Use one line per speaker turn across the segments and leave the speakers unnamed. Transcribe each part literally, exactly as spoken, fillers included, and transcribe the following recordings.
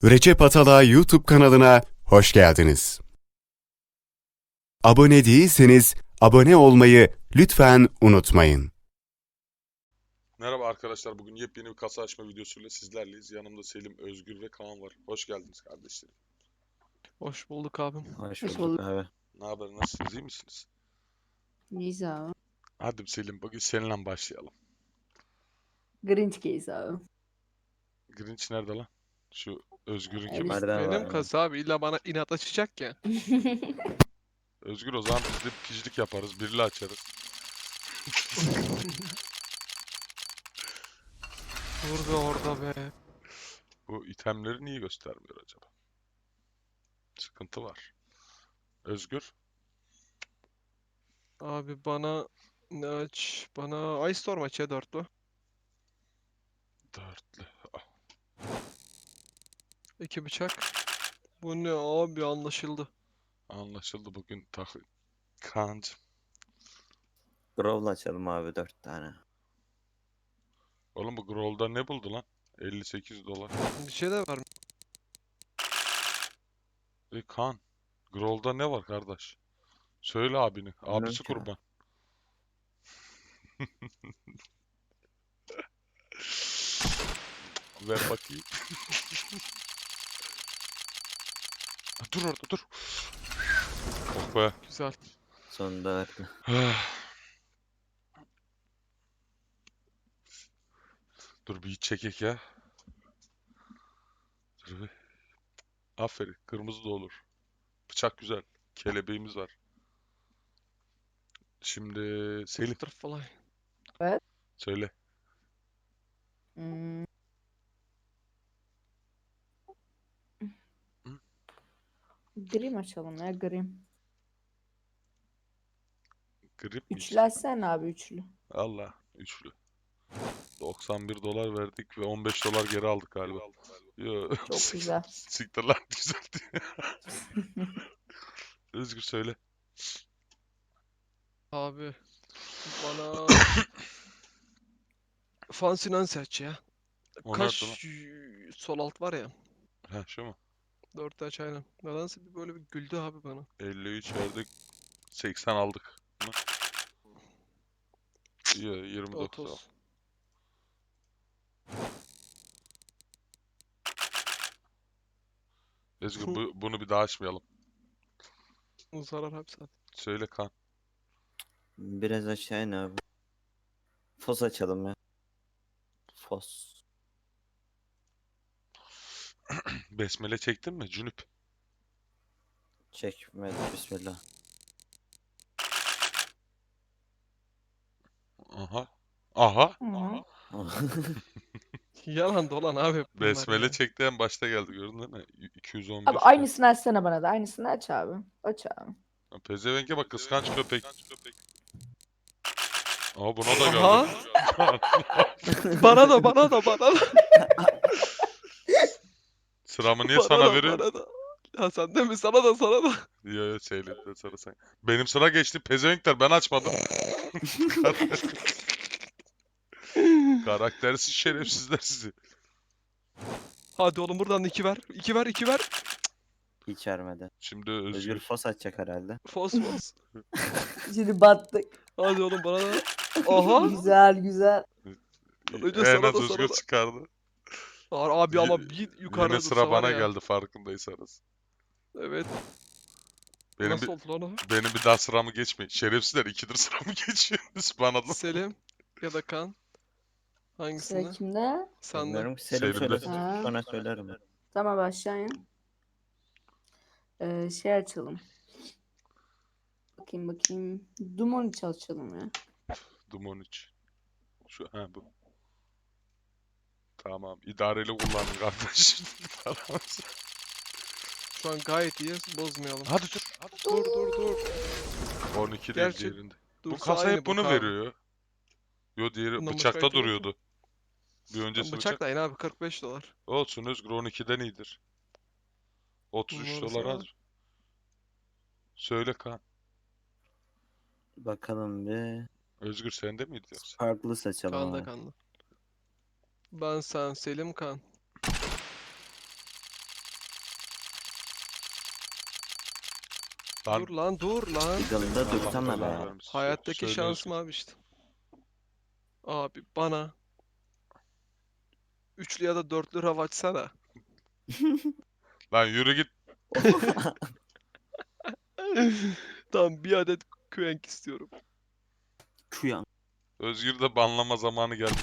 Recep Atalay YouTube kanalına hoş geldiniz. Abone değilseniz abone olmayı lütfen unutmayın.
Merhaba arkadaşlar, bugün yepyeni bir kasa açma videosuyla sizlerleyiz. Yanımda Selim, Özgür ve Kaan var. Hoş geldiniz kardeşlerim.
Hoş bulduk abim.
Hoş
Hoş
bulduk abi.
Ne haber, nasılsınız, iyi misiniz?
İyiyiz abi.
Hadi Selim, bugün seninle başlayalım.
Grinch case abi.
Grinch nerede lan? Şu Özgür'ün
Evet.
kimi?
Nereden var
Benim
ya?
kasa abi illa bana inat açacak ya.
Özgür, o zaman biz de picilik yaparız, birli açarız.
Dur be orada be.
Bu itemleri niye göstermiyor acaba? Sıkıntı var. Özgür,
Abi bana ne aç? Bana Ice Storm aç ya dörtlü.
dörtlü.
İki bıçak. Bu ne abi anlaşıldı.
Anlaşıldı bugün takı. Kaan'cım.
Growl'u açalım abi dört tane.
Oğlum bu Growl'da ne buldu lan? elli sekiz dolar.
Bir şey de var mı?
E Kaan, Growl'da ne var kardeş? Söyle abini.
Bilmiyorum
Abisi
ki.
kurban. Ver bakayım. Dur orada dur. Oh be.
Güzel.
Sonunda verdi.
Dur bir iç çekek ya. Dur bir. Aferin. Kırmızı da olur. Bıçak güzel. Kelebeğimiz var. Şimdi Selim
Butterfly.
söyle.
Hmm. Grim açalım ya Grim.
Grip mi?
Üçlü açsana abi üçlü.
Allah. Üçlü. doksan bir dolar verdik ve on beş dolar geri aldık galiba. Yo.
Çok güzel.
Siktir lan güzel diye. Özgür söyle.
Abi bana Fancy Nancy aç ya.
O
Kaş
nerede lan?
y- sol alt var ya.
Ha şu mu?
Dört aç aynen. Nedense bir böyle bir güldü abi bana.
elli üç verdik. seksen aldık. Hı? Yo, yirmi dokuz al.
otuz.
Özgür bu, bunu bir daha açmayalım.
Zarar abi zaten.
Söyle Kaan.
Biraz aşağı in abi. Fos açalım ya. Fos.
Besmele çektin mi? Cünüp.
Çekmedi bismillah.
Aha. Aha.
Hı.
Yalan dolan abi hep bunlar
Besmele
ya.
çekti en başta geldi gördün değil mi? iki yüz on
Abi
bir.
aynısını açsana bana da. Aynısını aç abi. Aç abi.
Pezevenke bak kıskanç köpek. Aa buna da
Aha.
geldi.
Bana da bana da bana da.
Sıramı niye
Bana
sana
da,
veriyorsun?
bana da. Ya sen de mi? Sana da sana da.
Yo yo Seylet'ten sonra sen. Benim sıra geçti. Pezevenkler ben açmadım. Karaktersiz şerefsizler sizi.
Hadi oğlum buradan iki ver. İki ver, iki ver.
Hiç vermedi.
Şimdi
Özgür
Özgür.
fos açacak herhalde.
Fos fos.
Şimdi battık.
Hadi oğlum bana da. Aha.
Güzel güzel.
Önce
En
sana
az
da, sana
Özgür
da.
çıkardı.
Abi ama
Y-
bir yukarıda
Yine sıra
dursa var
bana
ya.
geldi farkındaysanız.
Evet.
Benim
Nasıl
bir,
oldu lan o?
benim bir daha sıramı geçmeyin. Şerefsizler ikidir sıramı geçiyorsunuz bana da.
Selim ya da Kan.
Sıra
Hangisinde?
kimde?
Sende.
Bilmiyorum ki Selim
Selim'de.
söylesin.
Ha.
Sonra söylerim ben.
Tamam aşağıya. Ee, şey açalım. Bakayım bakayım. Dumon iç açalım ya.
Dumon üç. Şu ha bu. Tamam. İdareli kullanın kardeş.
Şu an gayet iyi. Bozmayalım.
Hadi dur.
Dur dur dur.
on iki değil
Gerçi
diğerinde. Bu
Dursa
kasa
aynı
hep bunu
abi.
veriyor. Yo diğeri
Bundan başka
bıçakta
item yok ki.
duruyordu. Bir
Lan
öncesi bıçak.
bıçak da yine abi kırk beş dolar.
Olsun Özgür on ikiden iyidir. otuz üç
Bunlar
dolar
sana.
az. Söyle Kaan.
Bakalım bir.
Özgür sende miydi yoksa?
Farklı seçelim
Kan da
abi.
kanlı. Ben sen Selim Kan.
Lan
Dur lan dur lan.
Eagle'da
Allah
dursana
belanı
be.
vermesin.
Hayattaki
Söyle
şansım
Özgür.
abi işte. Abi bana üçlü ya da dörtlü rav açsana.
Lan yürü git.
Tamam bir adet Quenk istiyorum.
Kuyan.
Özgür de banlama zamanı gelmiş.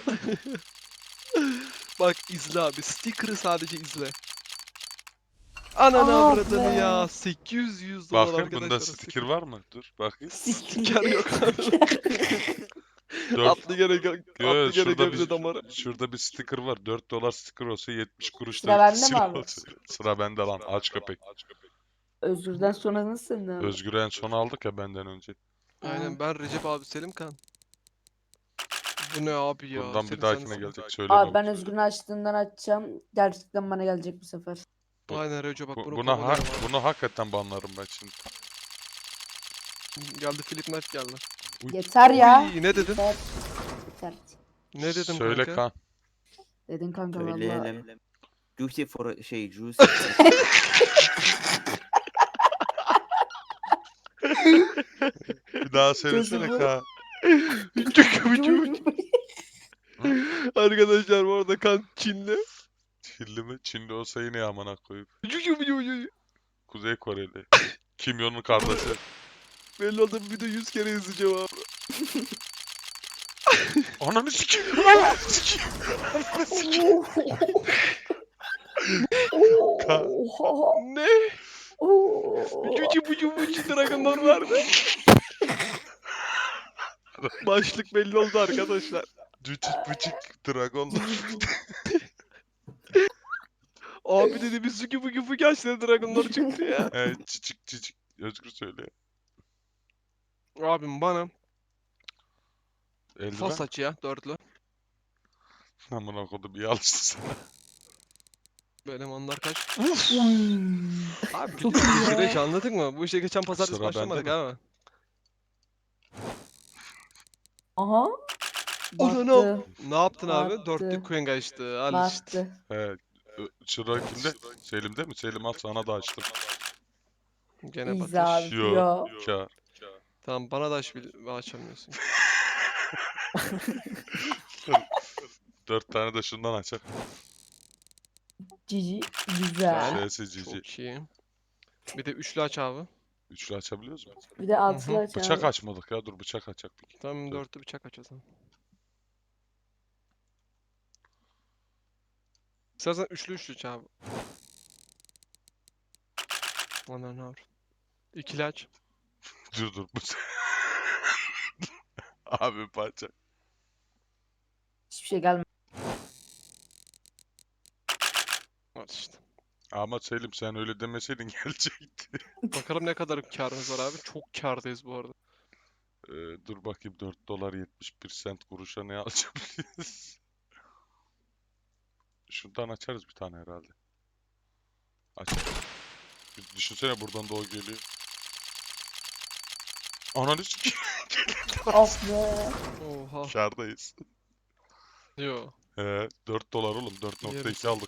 Bak izle abi. Sticker'ı sadece izle. Ananı
Ah
avradını
be.
ya. sekiz yüz dolar
Bakın
arkadaşlar.
bunda sticker var mı? Dur bakayım.
Sticker yok abi.
Dört.
Atlı gene gö-
Yo,
atlı
yo,
gene
şurada
Gebze
bir,
damarı.
şurada bir sticker var. dört dolar sticker olsa yetmiş kuruş
Sıra
da
bende mi
sticker
abi?
olsa. Sıra bende lan. Aç köpek.
Özgür'den sonra nasıl ne?
Özgür'ü en son aldık ya benden önce.
Aynen ben Recep abi Selim Kan. Bu ne abi ya?
Bundan bir
Selim
dahakine
sensin.
gelecek. Söyle
Abi
baba.
ben Özgür'ün açtığından açacağım. Gerçekten bana gelecek bu sefer.
Bu-
Aynen Recep bak
Bu-
bunu
buna, ha-
kovalayalım abi.
bunu hakikaten banlarım ben şimdi.
Geldi Philip Knight geldi.
Yeter ya.
Uy, ne dedin?
Yeter. Yeter.
Ne dedim
Söyle
kanka?
Kaan.
Dedin kanka valla.
Söyleyelim. Juicy for şey Juicy.
Bir daha söylesene
Gözüm-
Kaan.
Arkadaşlar bu arada kan Çinli.
Çinli mi? Çinli olsa yine amına koyup.
Belli
Kuzey Koreli. Kim Jong'un kardeşi.
oldu bu video yüz kere izleyeceğim abi.
Ananı sikeyim. Ananı sikeyim. Ananı sikeyim. Ka-
Oha.
Ne?
Oo.
Cucu bucu bucu dragonlar vardı. Başlık belli oldu arkadaşlar.
Cücük bıcık dragonlar.
Abi dedi bir suki buki fuki aç dedi dragonlar çıktı ya.
Evet cicik cicik. Özgür söyle.
Abim bana
Eldiven.
fas aç ya dörtlü.
Amına kodum iyi alıştın sen.
Benim onlar kaç?
Hmm.
Abi
Çok
biliyorum,
iyi
bu
ya.
süreç anladık mı? Bu işe geçen pazartesi
Sıra bende
başlamadık
mi?
abi.
Aha.
Ananı
Battı.
Ne yaptın abi?
Battı.
Dörtlü Queen açtı. Al işte.
Battı.
Evet. Ö- Sıra kimde? Selim'de mi? Selim al sana da açtım.
Gene
İyiyiz
batış.
abi.
Yo.
Yo.
Kâr.
Tamam bana da aç bil açamıyorsun.
Dört tane de şundan açar.
Cici. Güzel.
Ş'si cici.
Çok iyi. Bir de üçlü aç abi.
Üçlü açabiliyoruz mu?
Bir de altılı
Hı hı.
aç
Bıçak
abi.
açmadık ya. Dur bıçak açacak bir.
Tamam
Dur.
dörtlü bıçak aç o zaman. İstersen üçlü üçlü aç abi. Ana ne var? İkili aç.
Dur dur bıçak. Abi parça.
Hiçbir şey gelmedi.
Al işte.
Ama Selim sen öyle demeseydin gelecekti.
Bakalım ne kadar karımız var abi. Çok kârdayız bu arada.
Ee, dur bakayım dört dolar yetmiş bir sent kuruşa ne alacağız? Şundan açarız bir tane herhalde. Aç. Bir düşünsene buradan da o geliyor. Ananı sikeyim.
Of be.
Oha.
Kârdayız.
Yo.
He, dört dolar oğlum. dört nokta iki aldık.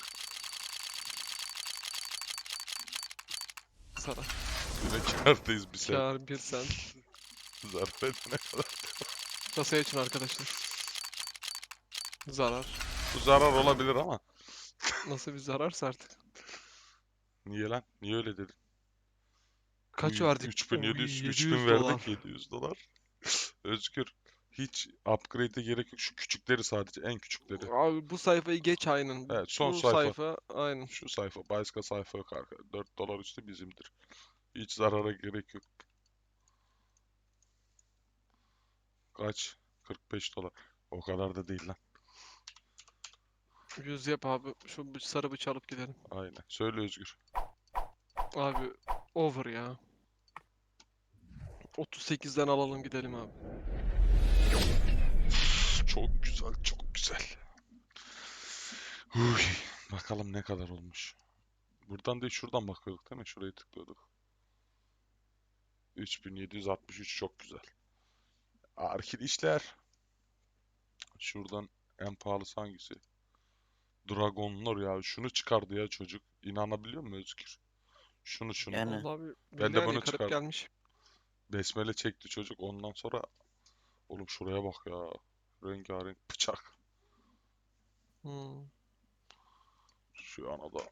Sana.
Yine kârdayız bir sent.
Kâr bir sen.
Zarar edene kadar.
Kasaya için arkadaşlar. Zarar.
Bu zarar olabilir ama.
Nasıl bir zararsa artık.
Niye lan? Niye öyle dedin?
Kaç
Uy,
verdik?
üç bin yedi yüz,
Oy,
üç bin
yedi yüz
verdik
dolar.
yedi yüz dolar. Özgür. Hiç upgrade'e gerek yok. Şu küçükleri sadece. En küçükleri.
Abi bu sayfayı geç aynen.
Evet, son
bu
sayfa.
sayfa aynen.
Şu sayfa. Başka sayfa yok arkadaşlar. dört dolar üstü bizimdir. Hiç zarara gerek yok. Kaç? kırk beş dolar. O kadar da değil lan.
yüz yap abi. Şu bı- sarı bıçağı alıp gidelim.
Aynen. Söyle Özgür.
Abi over ya. otuz sekizden alalım gidelim abi.
Çok güzel, çok güzel. Uy, bakalım ne kadar olmuş. Buradan değil şuradan bakıyorduk değil mi? Şurayı tıklıyorduk. üç bin yedi yüz altmış üç çok güzel. Arkil işler. Şuradan en pahalısı hangisi? Dragonlar ya. Şunu çıkardı ya çocuk. İnanabiliyor musun Özgür? Şunu şunu.
Yani
Allah abi.
Ben de
Milyar
bunu
yıkarıp
çıkardım.
gelmiş.
Besmele çekti çocuk. Ondan sonra oğlum şuraya bak ya. Rengarenk bıçak.
Hmm.
Şu ana da.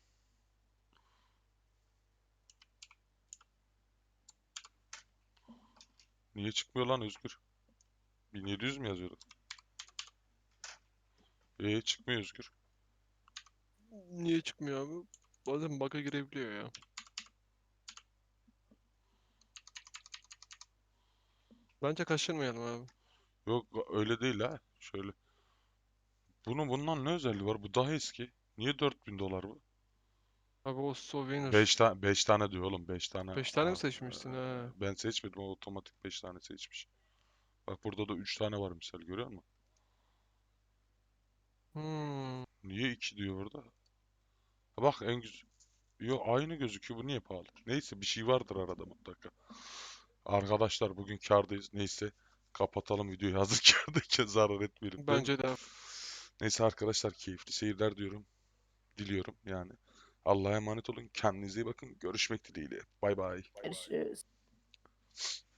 Niye çıkmıyor lan Özgür? bin yedi yüz mü yazıyordu? Ee çıkmıyor Özgür.
Niye çıkmıyor abi? Bazen bug'a girebiliyor ya. Bence kaçırmayalım abi.
Yok öyle değil ha. Şöyle. Bunun bundan ne özelliği var? Bu daha eski. Niye dört bin dolar bu?
Abi o Souvenir.
beş tane beş tane diyor oğlum beş tane.
Beş tane mi
Aa,
seçmişsin
eee,
ha?
ben seçmedim o otomatik beş tane seçmiş. Bak burada da üç tane var misal görüyor musun?
Hmm.
Niye iki diyor burada? Ha bak en güzel. Yo aynı gözüküyor bu niye pahalı? Neyse bir şey vardır arada mutlaka. Arkadaşlar bugün kârdayız. Neyse kapatalım videoyu hazır kârdayken zarar etmeyelim değil mi?
Bence de.
Neyse arkadaşlar keyifli seyirler diyorum. Diliyorum yani. Allah'a emanet olun. Kendinize iyi bakın. Görüşmek dileğiyle. Bay bay.
Görüşürüz.